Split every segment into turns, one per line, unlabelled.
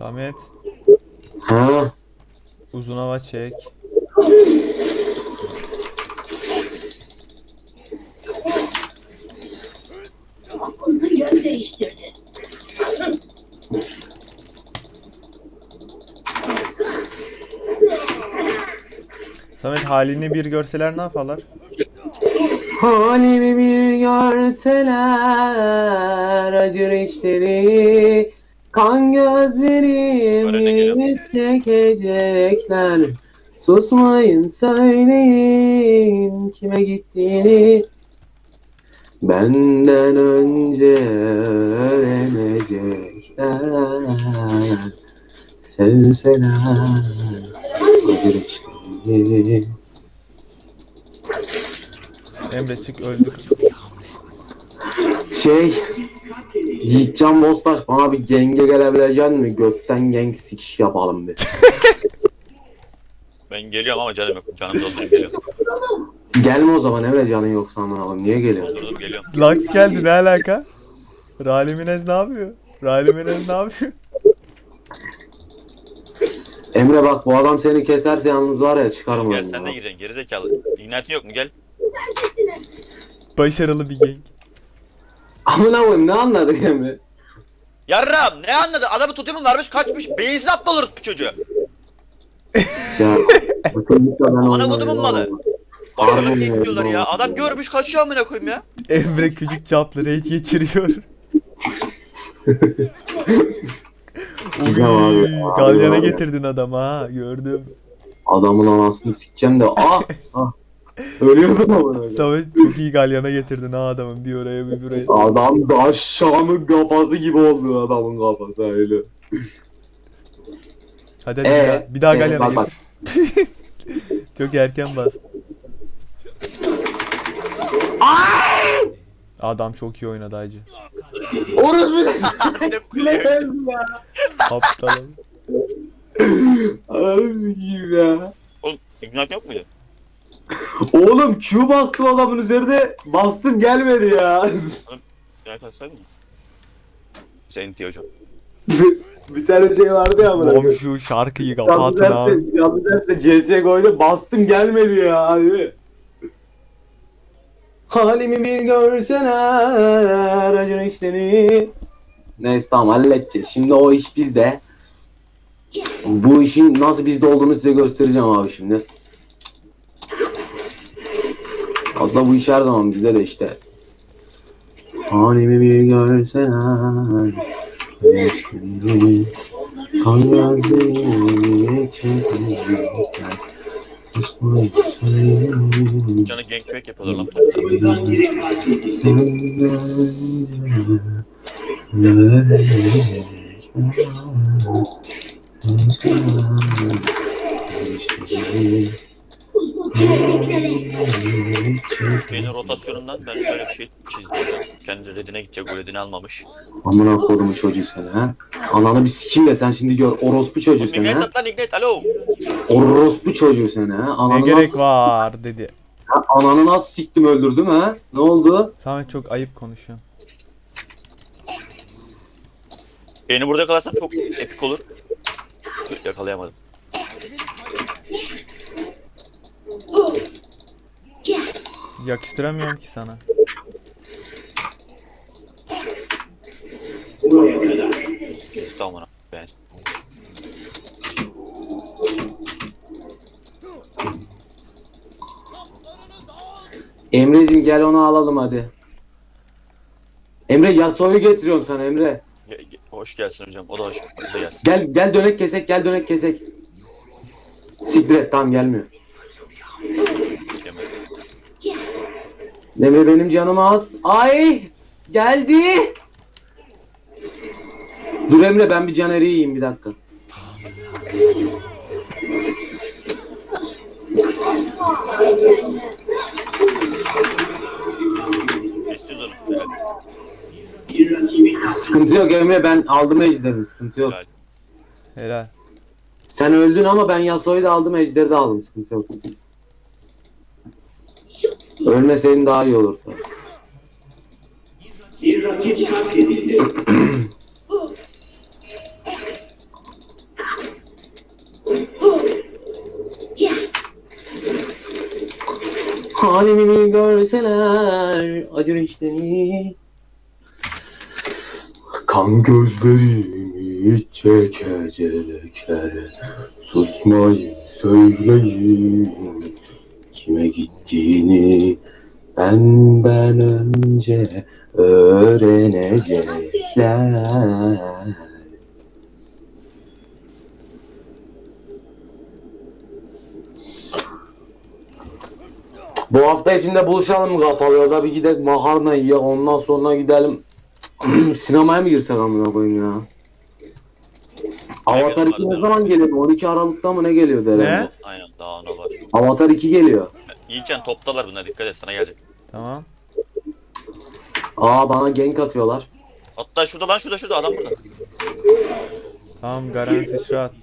Samet
Ha.
uzun hava çek.
Aklını yön değiştirdi.
Samet halini bir görseler ne yaparlar?
Halimi bir görseler acır işleri, kan gözlerimi çekecekler. Susmayın söyleyin kime gittiğini, benden önce öğrenecekler. Sevseler acır işleri.
Emre çık öldük.
Yiğitcan Bostaş bana bir genge gelebilecek mi? Gökten gang sikiş yapalım bir.
Ben geliyorum ama canım yok. Canım doldurup geliyorum.
Gelme o zaman Emre, canın yoksa aman Allah'ım, niye geliyorsun?
Doldurdum geliyorum.
Lux geldi, ne alaka? Raliminez ne yapıyor? Raliminez ne yapıyor?
Emre bak, bu adam seni keserse yalnız var ya, çıkarım
Gel
onu.
sen de gireceksin gerizekalı. İgnatin yok mu gel.
Başarılı bir gang.
Amına koyayım, ne anladık Emre?
Yarram ne anladın? Adamı tutayım varmış kaçmış. Beyinsiz aptal oluruz bu çocuğu.
Ya
Amına kodumun malı. Başarılı
Harbi
bir
ya,
diyorlar ya.
doğru.
Adam görmüş kaçıyor amına koyayım ya.
Emre küçük çaplı raid geçiriyor.
Güzel abi.
Uy,
Abi,
galyana
abi.
getirdin adamı ha, gördüm.
Adamın anasını sikeceğim de ölüyordum amına.
Samet çok iyi galyana getirdin ha adamın, bir oraya bir buraya.
Adam da aşağının kafası gibi oldu adamın kafası öyle.
Hadi bir daha galyana
bak,
getir. Çok erken bas. Adam çok iyi oynadı hacı.
Orası
Ne kulüyor.
Aptalım.
Anasını gibi ya.
Oğlum ignat yok muydu?
Oğlum Q bastım adamın üzerinde, bastım gelmedi ya.
Gel kaçsaydın mı? Senin diyor hocam.
Bir tane şey vardı ya amına
Oğlum
koyayım.
şu şarkıyı
Yanlış
kapatın ha.
derste, yanlış derste CSGO'yla bastım gelmedi ya abi. Halimi bir görseler acır işleri. Neyse tamam, halledeceğiz. Şimdi o iş bizde. Bu işin nasıl bizde olduğunu size göstereceğim abi şimdi. Aslında bu iş her zaman bizde de işte. Halimi bir görseler acır işleri, kan gözlerimi çekecekler. Susmayın söyleyin.
Canı gangbang yapıyorlar lan topta. Benim rotasyonundan ben şöyle bir şey çizdim. Kendi redine gidecek, o redini almamış.
Amına kodumun çocuğu sen ha. Ananı bir sikeyim de sen şimdi gör, orospu çocuğu sen
Ignite
ha.
at lan ignite alo.
Orospu çocuğu sen ha.
Ne
Ananı
gerek
nasıl,
var dedi.
ananı nasıl siktim öldürdüm ha. Ne oldu?
Samet çok ayıp konuşuyorsun.
Beni burada yakalarsan çok epik olur. Yakalayamadım.
Yakıştıramıyorum ki sana.
Kesti amına ben.
Emre'cim gel onu alalım hadi. Emre Yasuo'yu getiriyorum sana Emre.
Hoş gelsin hocam. O da hoş. O da gelsin.
Gel dönek kesek, gel dönek kesek. Siktir et, tamam gelmiyor.
Yemedim.
Emre benim canım az. Ay geldi. Dur Emre, ben bir Caner'i yiyeyim bir dakika.
Kestiyoruz onu.
Sıkıntı yok Emre, ben aldım ejderi, sıkıntı yok.
Helal.
Helal.
Sen öldün ama ben Yasuo'yu da aldım, ejderi de aldım, sıkıntı yok. Ölmeseydin daha iyi olurdu.
Bir rakip katledildi.
Halimi görseler acır işleri. Kan gözlerimi çekecekler. Susmayın söyleyin. Kime gittiğini benden önce öğrenecekler. Bu hafta içinde buluşalım mı kapalı ya da bir gidelim makarna yiyelim ondan sonra gidelim sinemaya mı girsek amına koyayım ya? Avatar 2 ne zaman geliyor? 12 Aralık'ta mı ne geliyor derler?
Ne?
Aynen daha ona var.
Avatar 2 geliyor.
Yiğitcan toptalar bunlar, dikkat et sana gelecek.
Tamam.
Aa bana gank atıyorlar.
Hatta şurada lan, şurada adam burada.
Tamam, Garen sıçra attı.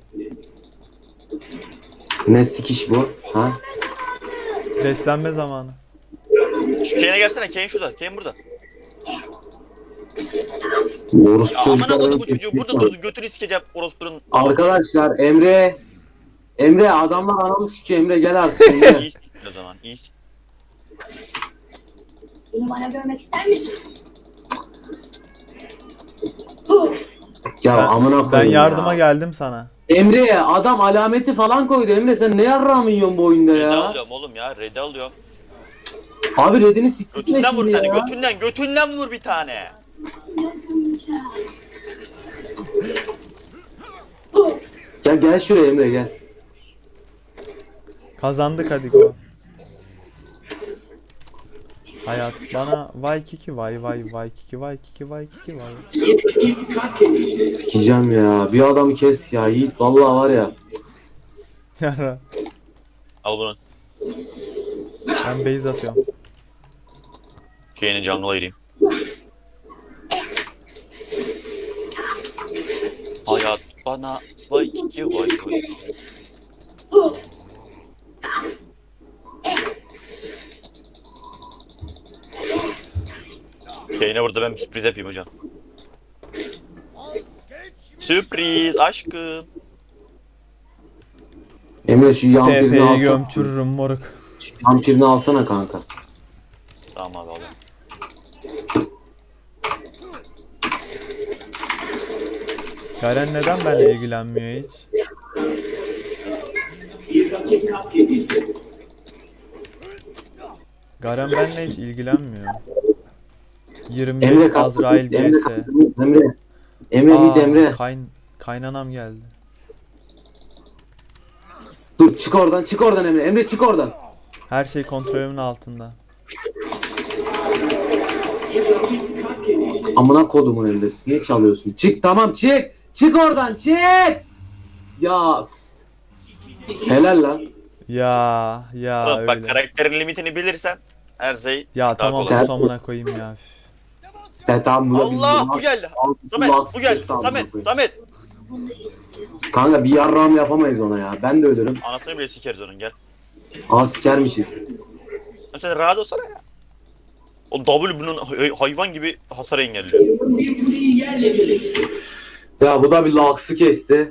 Ne sikiş bu? Ha?
Beslenme zamanı.
Şu Kane'e gelsene, Kane şurada, Kane burada.
Orospu
Ya aman
çocuklar.
Allah'ım bu çocuğu burada durdu, götünü sikeceğim orospunun.
Arkadaşlar Emre adamlar anamı sikiyor Emre gel artık Emre.
İyi siktir o zaman, iyi siktir.
Bunu bana görmek ister misin?
Ya amına
Ben
koyayım
yardıma
ya.
geldim sana.
Emre adam alameti falan koydu Emre sen ne yarrağımı yiyorsun bu oyunda
Red'i
ya?
alıyorum oğlum ya, Red'i alıyorum.
Abi redini siktirtme
Götünden vur
şimdi
bir tane,
ya.
götünden vur bir tane.
Gel şuraya Emre gel.
Kazandık, hadi go. Hayat bana vay kiki vay kiki vay kiki vay kiki vay.
Sikeceğim ya. Bir adamı kes ya Yiğit vallahi var ya.
Yara.
Al bunu.
Ben base atıyorum.
Kane'in canlı ayırayım. Hayat bana vay ki vay. Kane'e burada ben bir sürpriz yapayım hocam. Sürpriz aşkım.
Emre şu yan pirini
TP'yi
alsana.
gömçürürüm moruk.
Yan pirini alsana kanka.
Tamam abi alıyorum.
Garen neden benimle ilgilenmiyor hiç? Garen benimle hiç ilgilenmiyor. 25
Emre kalk.
Azrail
Emre
vs.
kalk. Emre mid Emre.
Kaynanam geldi.
Dur çık oradan Emre. Emre çık oradan.
Her şey kontrolümün altında.
Amına kodumun Emre'si. Niye çalıyorsun? Çık tamam çık. Çık oradan çık. Ya. Helal lan.
Ya
Oğlum bak,
öyle.
karakterin limitini bilirsen her şey
Ya
daha
tamam,
kolay.
sus amına koyayım ya.
Tamam buna biz
Allah
bunu-
bu geldi.
Al,
Samet
bunu
bu geldi.
al,
Samet
bunu koy.
Samet.
Kanka bir yarrağım yapamayız ona ya. Ben de ölürüm.
Anasını bile sikeriz onun, gel.
Aa sikermişiz.
Sen rahat olsana ya. O W bunun hayvan gibi hasar engelliyor.
Ya bu da bir laksı kesti.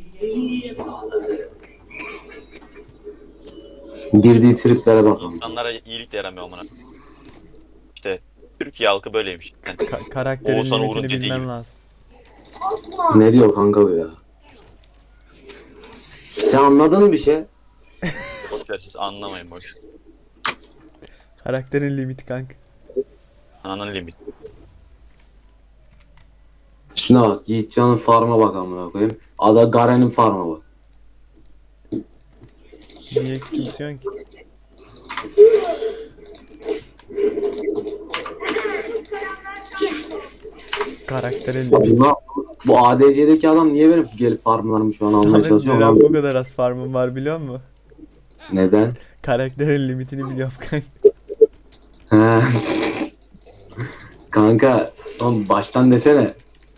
Girdiği triplere bak.
İnsanlara iyilik de yaramıyor amına. İşte Türkiye halkı böyleymiş. Yani
Karakterin
Oğuzhan Uğur'un
limitini
dediği
bilmem
gibi.
lazım.
Ne diyor kanka bu ya? Sen anladın mı bir şey?
boşver, siz anlamayın boş.
Karakterin limiti kanka.
Ananın limit.
Şuna bak. Yiğitcan'ın farma bak amına koyayım. Ada Garen'in farma bak.
Niye küçümsüyorsun ki? Karakterin limiti.
Bu ADC'deki adam niye benim gelip farmlarımı şu an almaya
Samet
çalışıyor?
neden
Lan?
bu kadar az farmım var biliyor musun?
Neden?
Karakterin limitini biliyorum kanka.
He. Kanka oğlum baştan desene.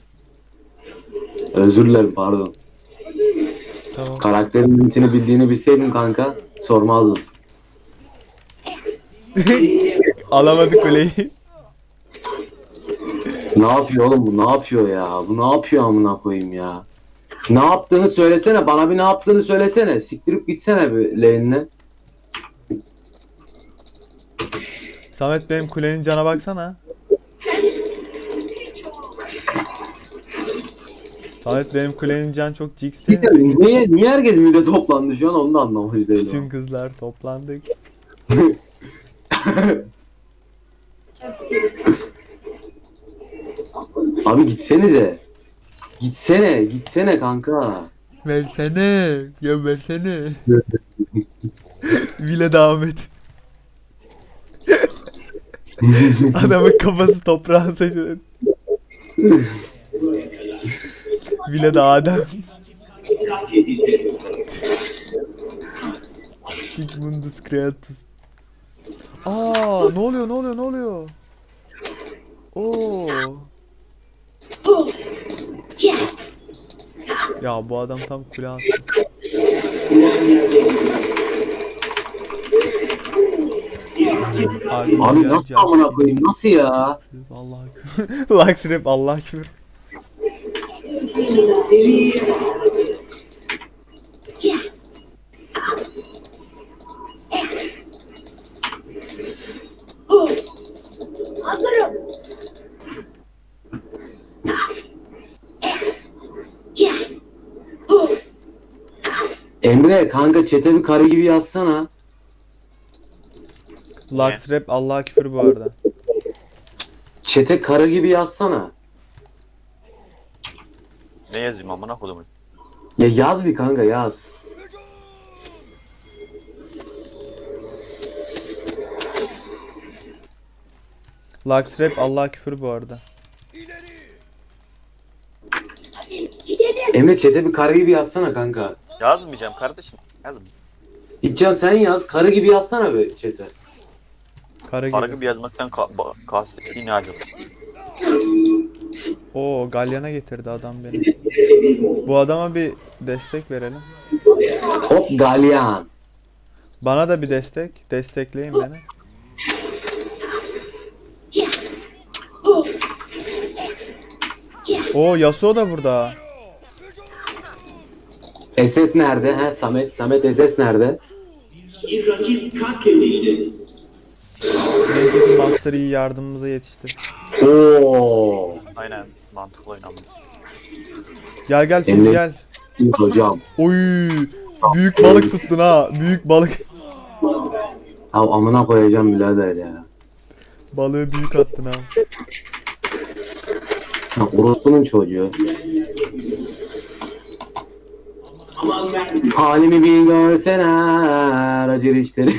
Özür dilerim pardon.
Tamam.
Karakterin limitini bildiğini bilseydim kanka sormazdım.
Alamadık kuleyi.
Ne yapıyor oğlum bu? Ne yapıyor ya? Bu ne yapıyor amına koyayım ya? Ne yaptığını söylesene. Bana bir ne yaptığını söylesene. Siktirip gitsene bir lane'ine.
Samet benim kulenin cana baksana. Samet benim kulenin can çok cix değil mi?
Niye herkes mide toplandı şu an onu da anlamış değilim.
Bütün kızlar toplandık.
Abi gitsenize. Gitsene kanka.
Versene. Ya versene. Vile devam et. Adamın kafası toprağa saçılır. Vile de Adem. Sigmundus Creatus. Aa, ne oluyor? Oo. Ya bu adam tam kule attı.
Abi nasıl amına koyayım nasıl ya?
Allah küfür. Lux rap Allah küfür.
Hazırım.
Emre kanka çete bir karı gibi yazsana.
Lux rap Allah küfür bu arada.
Çete karı gibi yazsana.
Ne yazayım amına kodumun?
Ya yaz bir kanka yaz.
Lux rap Allah küfür bu arada.
Gidelim.
Emre çete bir karı gibi yazsana kanka.
Yazmayacağım kardeşim. Yazmayacağım.
İlkcan sen yaz karı gibi yazsana be çete.
Kara
Para
gibi.
gibi yazmaktan kastettiğin ne acaba?
Oo, Galyan'a getirdi adam beni. Bu adama bir destek verelim.
Hop galyan.
Bana da bir destek. Destekleyin beni. Oo, Yasuo da burada.
SS nerede? He Samet. Samet SS nerede?
Bir rakip katledildi.
Neyse ki Master iyi yardımımıza yetişti.
Oo.
Aynen mantıklı oynanmış.
Gel Fizz
Emre.
gel.
Hocam.
Oy, büyük balık tuttun ha. Büyük balık.
Ya amına koyacağım birader ya.
Balığı büyük attın ha.
Ya orospunun çocuğu.
Aman ben
Halimi bir görseler acır işlerim.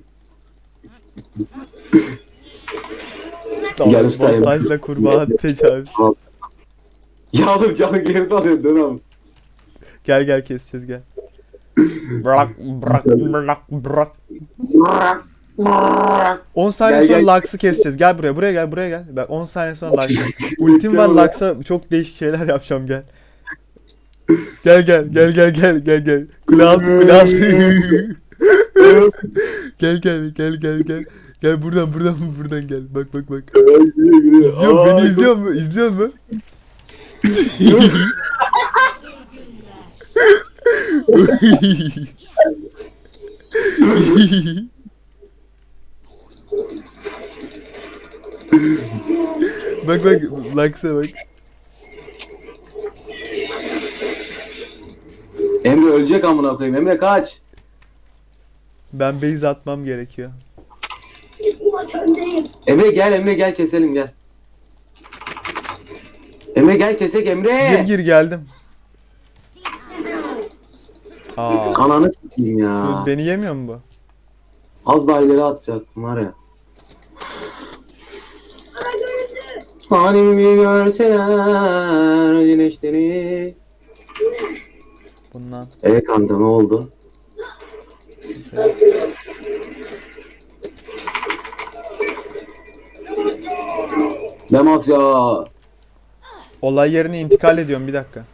Gel
Sağlık
ustayım.
postajla kurbağa tecavüz.
Ya oğlum canı geri alıyor dönem.
Gel keseceğiz gel. Bırak. 10 saniye
Gel,
sonra Lux'ı keseceğiz. Gel buraya gel. Ben 10 saniye sonra Lux'ı. Ultim var Lux'a çok değişik şeyler yapacağım gel. Gel. Kule altı. Gel. Gel buradan gel. Bak. İzliyor mu? Bak Lux'a bak.
Emre ölecek amına koyayım. Emre kaç.
Ben base atmam gerekiyor.
Bu maç öndeyim.
Emre gel keselim gel. Emre gel kesek Emre.
Gir geldim. Aa,
Ananı s**eyim ya.
beni yemiyor mu bu?
Az daha ileri atacaktım var ya.
Bana göründü.
Halimi bir görseler güneşleri.
Bundan.
Kanka ne oldu? Demaz ya.
Olay yerine intikal ediyorum bir dakika.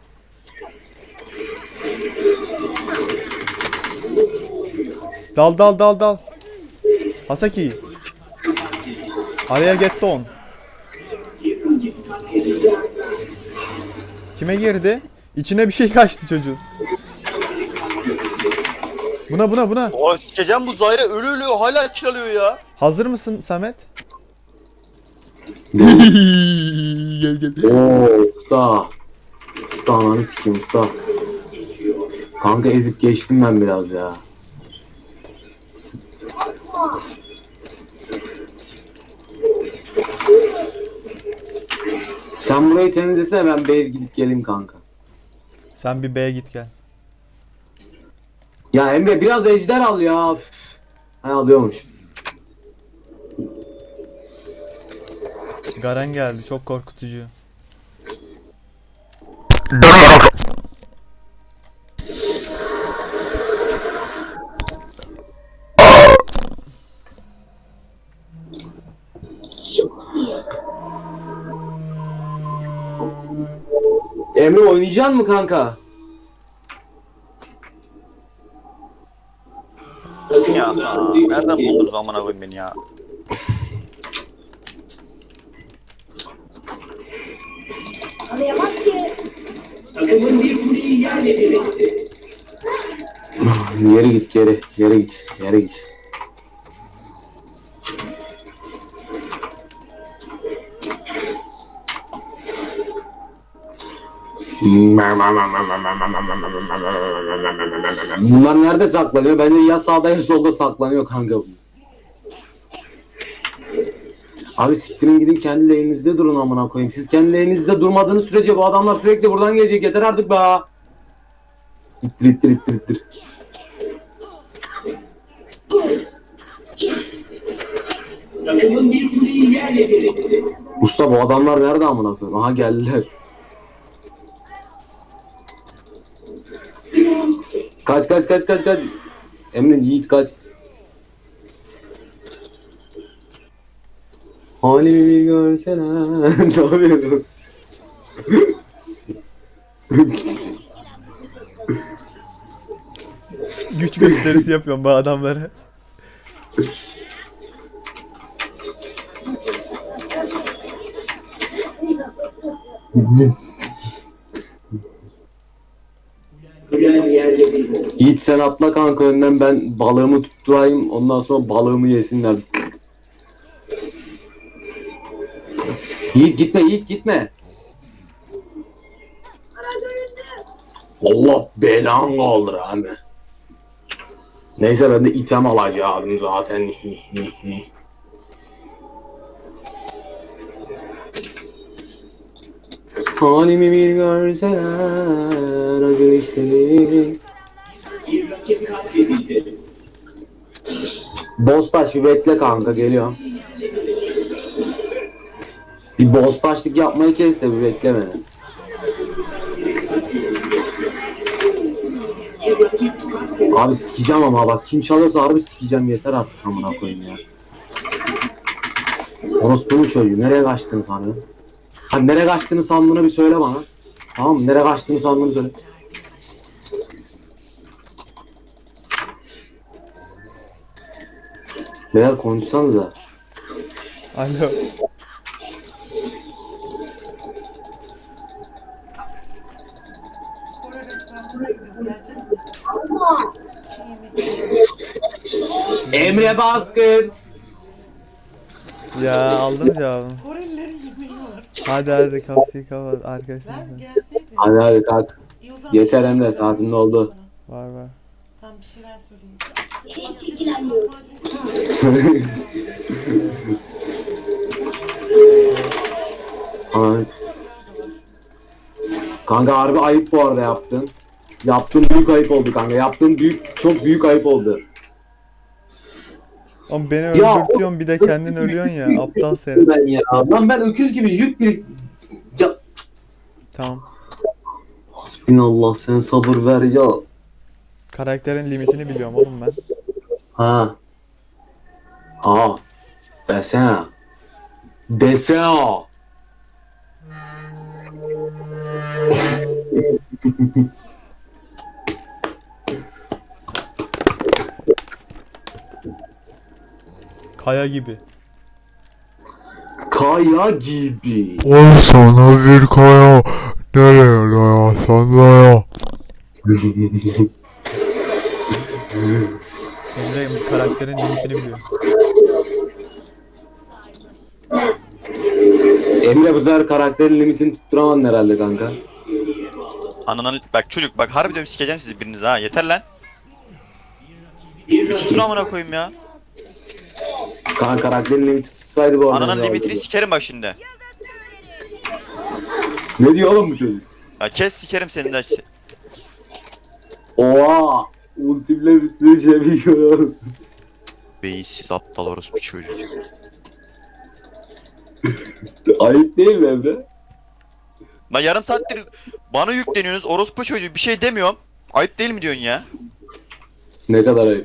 Dal. Hasaki. Araya get on. Kime girdi? İçine bir şey kaçtı çocuğun. Buna.
O sikeceğim bu Zahir'e ölü hala kill alıyor ya.
Hazır mısın Samet? Gel gel.
Oo usta. Usta ananı sikeyim usta. Kanka ezip geçtim ben biraz ya. Sen burayı temizlesene, ben base gidip geleyim kanka.
Sen bir B'ye git gel.
Ya Emre biraz ejder al ya. Üf. Ha alıyormuş.
Garen geldi, çok korkutucu.
Emre oynayacaksın mı kanka?
Ya nereden buldunuz amına koyayım beni ya?
Anlayamaz ki.
Takımın bir kuleyi yerle bir etti.
Geri git geri. Geri git. Geri git. Bunlar nerede saklanıyor? Bence ya sağda ya solda saklanıyor kanka. Abi siktirin gidin, kendi lane'inizde durun amına koyayım. Siz kendi lane'inizde durmadığınız sürece bu adamlar sürekli buradan gelecek. Yeter artık be. İttir ittir ittir ittir.
Takımın bir kuleyi yerle bir etti.
Usta bu adamlar nerede amına koyayım? Aha geldiler. Kaç kaç kaç kaç kaç. Emre Yiğit kaç. Halimi bir görsene. Ne yapıyorsun?
Güç gösterisi yapıyorum bu adamlara.
Kulen yerle bir oldu.
Yiğit sen atla kanka önden, ben balığımı tutturayım, ondan sonra balığımı yesinler. Yiğit gitme, Yiğit gitme. Allah belanı kaldır abi. Neyse ben de item alacaktım zaten. Halimi bir görseler acı işleri.
Bir rakip katledildi.
Boss taş bir bekle kanka, geliyorum. Bir boss taşlık yapmayı kes de bir bekle beni.
Bir rakip katledildi.
Abi sikeceğim ama bak, kim çalıyorsa harbi sikeceğim, yeter artık amına koyayım ya. Orospu'nun çocuğu, nereye kaçtığını sanıyorsun? Hani nereye kaçtığını sandığını bir söyle bana. Tamam mı? Nereye kaçtığını sandığını söyle. Beyler konuşsanıza.
Alo.
Emre Baskın.
Ya aldım cevabını. Hadi kapıyı kapat arkadaşlar.
Hadi hadi kalk. Yeter Emre, saatinde oldu.
Var.
Tam bir şeyler söyleyeyim.
Hiç ilgilenmiyorum.
Ay. Kanka harbi ayıp bu arada yaptın. Yaptığın büyük ayıp oldu kanka. Yaptığın çok büyük ayıp oldu.
Oğlum beni
Ya,
öldürtüyorsun bir de kendin ölüyorsun ya. Aptal sen.
Ben ya. Lan ben öküz gibi yük bir... Ya.
Tamam.
Hasbinallah, sen sabır ver ya.
Karakterin limitini biliyorum oğlum ben.
Ha. Aa. Desene. Desene.
Kaya gibi.
Kaya gibi.
Ol sana bir kaya, nereye dayasan daya.
Emre karakterin limitini biliyor.
Emre bu sefer karakterin limitini tutturamadın herhalde kanka.
Ananın bak çocuk bak harbi diyorum sikeceğim sizi biriniz ha yeter lan. Bir susun amına koyayım ya.
Kanka karakterin limiti tutsaydı bu arada.
Ananın limitini sikerim bak şimdi.
Ne diyor oğlum bu çocuk?
Ya kes sikerim seni de.
Oha! Ultimle bir sürü şey biliyor.
Beyinsiz aptal orospu çocuk.
Ayıp değil mi Emre?
Lan yarım saattir bana yükleniyorsunuz orospu çocuğu bir şey demiyorum. Ayıp değil mi diyorsun ya?
Ne kadar ayıp.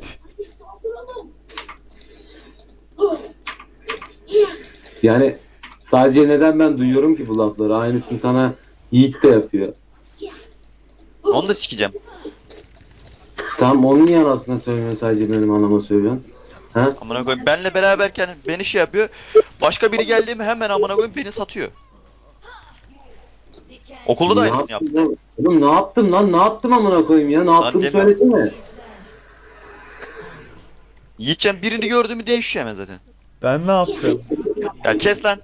Yani sadece neden ben duyuyorum ki bu lafları? Aynısını sana Yiğit de yapıyor.
Onu da sikeceğim.
Tam onun niye anasına söylemiyorsun, sadece benim anama söylüyorsun? Ha?
Amına koyayım benle beraberken beni şey yapıyor. Başka biri geldi mi hemen amına koyayım beni satıyor. Okulda da
Ne
aynısını yaptı.
yaptım oğlum? Ne yaptım lan? Ne yaptım amına koyayım ya? Ne yaptığımı
deme.
söylesene.
Yiğitcan birini gördü mü değişiyor hemen zaten.
Ben ne yaptım?
Ya kes lan.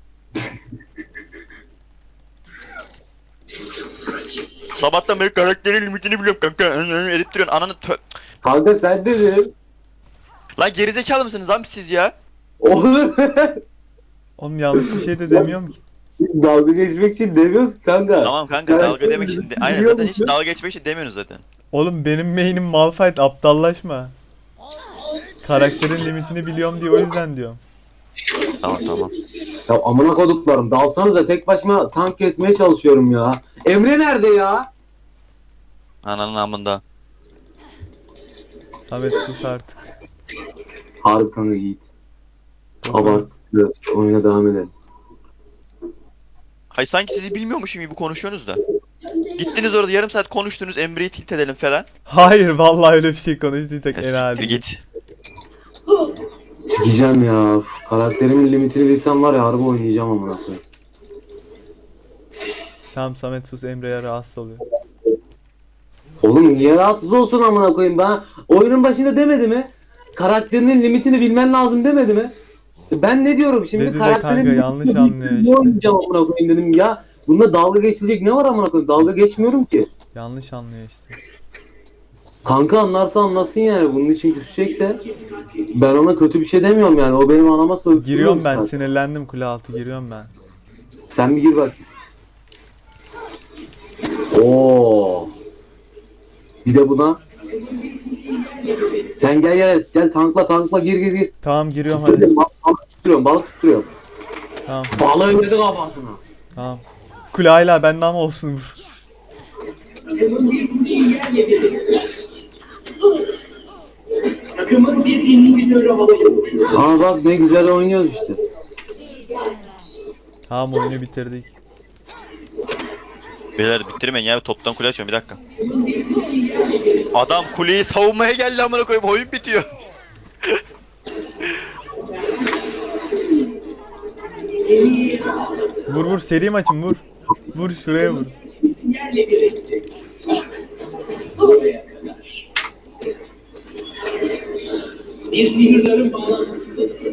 Sabahtan beri karakterin limitini biliyorum kanka. Edip duruyorsun ananı
Kanka sen dedin.
Lan gerizekalı mısınız lan siz ya?
Oğlum
Oğlum yanlış bir şey de demiyorum ki.
dalga geçmek için demiyoruz ki kanka.
Tamam kanka dalga demek için aynen
Biliyor
zaten hiç
musun?
dalga geçmek için demiyorsunuz zaten.
Oğlum benim main'im Malphite, aptallaşma. Karakterin limitini biliyorum diye o yüzden diyorum.
Tamam.
Ya amına koduklarım, dalsanıza, tek başıma tank kesmeye çalışıyorum ya. Emre nerede ya?
Ananın amında.
Samet sus artık.
Harbi kanka Yiğit. Abart. Evet, oyuna devam edelim.
Hay sanki sizi bilmiyormuşum gibi konuşuyorsunuz da. Gittiniz orada yarım saat konuştunuz Emre'yi tilt edelim falan.
Hayır vallahi öyle bir şey konuştuysak
Ya
en
siktir
adi.
git.
Sikeceğim ya. Üf, karakterimin limitini bilsem var ya, harbi oynayacağım amına koyayım.
Tamam Samet sus, Emre'ye rahatsız oluyor.
Oğlum niye rahatsız olsun amına koyayım? Ben oyunun başında demedi mi? Karakterinin limitini bilmen lazım demedi mi? Ben ne diyorum şimdi?
Dedi de kanka, yanlış
limitini
anlıyor
ne
işte.
oynayacağım amına koyayım dedim ya. Bunda dalga geçilecek ne var amına koyayım? Dalga geçmiyorum ki.
Yanlış anlıyor işte.
Kanka anlarsa anlasın yani. Bunun için küsecekse ben ona kötü bir şey demiyorum yani. O benim anama sorup
Giriyorum
duruyor
ben,
zaten.
sinirlendim, kule altı giriyorum ben.
Sen bir gir bak. Oo. Bir de buna. Sen gel tankla gir.
Tamam giriyorum hadi.
Balık tutturuyorum.
Tamam
Balığı yedi kafasına.
tamam. Kule hala bende ama olsun vur.
Takımın bir kuleyi yerle bir etti. Takımın bir inhibitörü havaya uçuyor.
Aa bak ne güzel oynuyoruz işte.
Tamam oyunu bitirdik.
Beyler bitirmeyin ya toptan kule açıyorum bir dakika. Adam kuleyi savunmaya geldi amına koyayım oyun bitiyor.
Vur seri maçım vur. Vur şuraya vur.
Yerle bir etti. Buraya kadar. Bir sihirlerin bağlantısında.